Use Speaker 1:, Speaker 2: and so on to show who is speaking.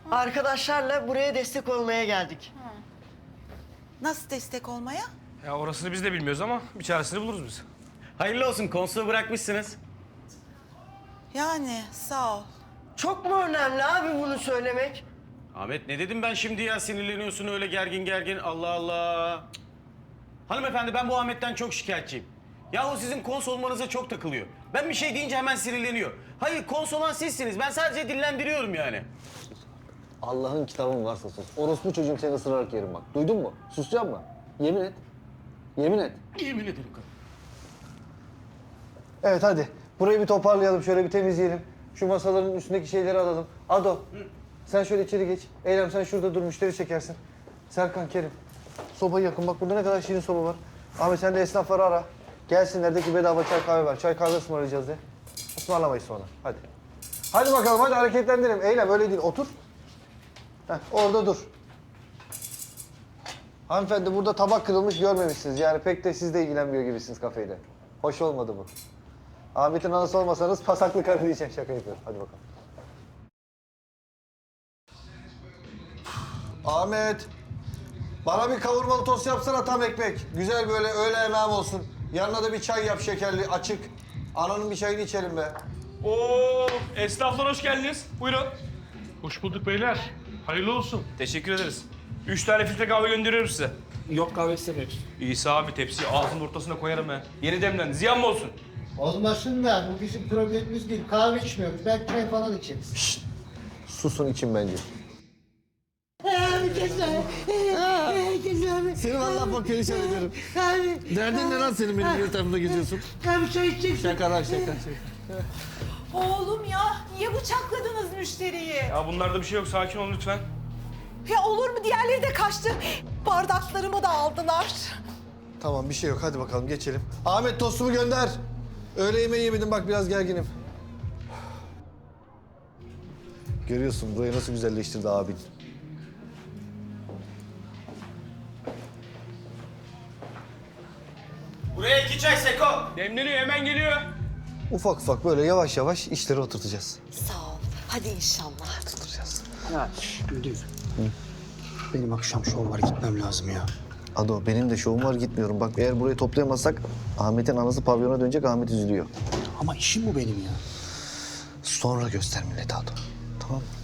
Speaker 1: Arkadaşlarla buraya destek olmaya geldik.
Speaker 2: Nasıl destek olmaya?
Speaker 3: Ya orasını biz de bilmiyoruz ama bir çaresini buluruz biz.
Speaker 4: Hayırlı olsun, konsolu bırakmışsınız.
Speaker 2: Yani sağ ol.
Speaker 1: Çok mu önemli abi bunu söylemek?
Speaker 4: Ahmet ne dedim ben şimdi ya, sinirleniyorsun öyle gergin gergin, Allah Allah. Cık. Hanımefendi, ben bu Ahmet'ten çok şikayetçiyim. Yahu sizin kons olmanıza çok takılıyor. Ben bir şey deyince hemen sinirleniyor. Hayır, kons olan sizsiniz, ben sadece dillendiriyorum yani.
Speaker 5: Allah'ın kitabın varsa sus. Orospu çocuğum seni ısırarak yerim bak. Duydun mu? Susacağım mı? Yemin et. Yemin et.
Speaker 4: Yemin ederim kadın.
Speaker 5: Evet hadi. Burayı bir toparlayalım, şöyle bir temizleyelim. Şu masaların üstündeki şeyleri alalım. Ado, sen şöyle içeri geç. Eylem sen şurada dur, müşteri çekersin. Serkan, Kerim. Sobayı yakın. Bak burada ne kadar şirin soba var. Ahmet sen de esnafları ara. Gelsinler de ki bedava çay kahve var. Çay kahve ısmarlayacağız de. Ismarlamayız sonra. Hadi. Hadi bakalım, hadi hareketlendirelim. Eylem öyle değil, otur. Heh, orada dur. Hanımefendi burada tabak kırılmış görmemişsiniz. Yani pek de siz de ilgilenmiyor gibisiniz kafeyle. Hoş olmadı bu. Ahmet'in anası olmasanız pasaklı karı diyeceğim. Şaka yapıyorum. Hadi bakalım. Ahmet. Bana bir kavurmalı tost yapsana, tam ekmek. Güzel böyle öğle yemeğim olsun. Yanına da bir çay yap şekerli, açık. Ananın bir çayını içelim be.
Speaker 3: Oo, esnaflar hoş geldiniz. Buyurun.
Speaker 6: Hoş bulduk beyler. Hayırlı olsun.
Speaker 3: Teşekkür ederiz. 3 tane filtre kahve gönderiyorum size.
Speaker 6: Yok kahve istemiyoruz.
Speaker 3: İsa abi tepsiyi ağzının ortasına koyarım ben. Yeni demlendi. Ziyan mı olsun?
Speaker 7: Olmasın da bu bizim problemimiz değil. Kahve içmiyoruz. Belki çay falan içeriz.
Speaker 5: Susun için bence.
Speaker 7: Güzel. Güzel.
Speaker 5: Seni vallahi bak perişan ederim.
Speaker 7: Abi.
Speaker 5: Derdin ne lan senin benim bir tarafımda geziyorsun?
Speaker 7: Abi çay içeceksin.
Speaker 5: Şaka.
Speaker 2: Oğlum ya, niye bıçakladınız müşteriyi?
Speaker 3: Ya bunlarda bir şey yok. Sakin olun lütfen.
Speaker 2: Ya olur mu? Diğerleri de kaçtı. Bardaklarımı da aldılar.
Speaker 5: Tamam bir şey yok, hadi bakalım geçelim. Ahmet tostumu gönder. Öğle yemeği yemedim, bak biraz gerginim. Görüyorsun burayı nasıl güzelleştirdi abin.
Speaker 4: Buraya 2 çay Seko.
Speaker 3: Demleniyor, hemen geliyor.
Speaker 5: Ufak ufak böyle yavaş yavaş işleri oturtacağız.
Speaker 2: Sağ ol. Hadi inşallah.
Speaker 5: Oturacağız.
Speaker 7: Ya müdür. Benim akşam şov var, gitmem lazım ya.
Speaker 5: Ado benim de şovum var, gitmiyorum. Bak eğer burayı toplayamazsak Ahmet'in anası pavyona dönecek, Ahmet üzülüyor.
Speaker 7: Ama işim bu benim ya.
Speaker 5: Sonra göster millete Ado. Tamam mı?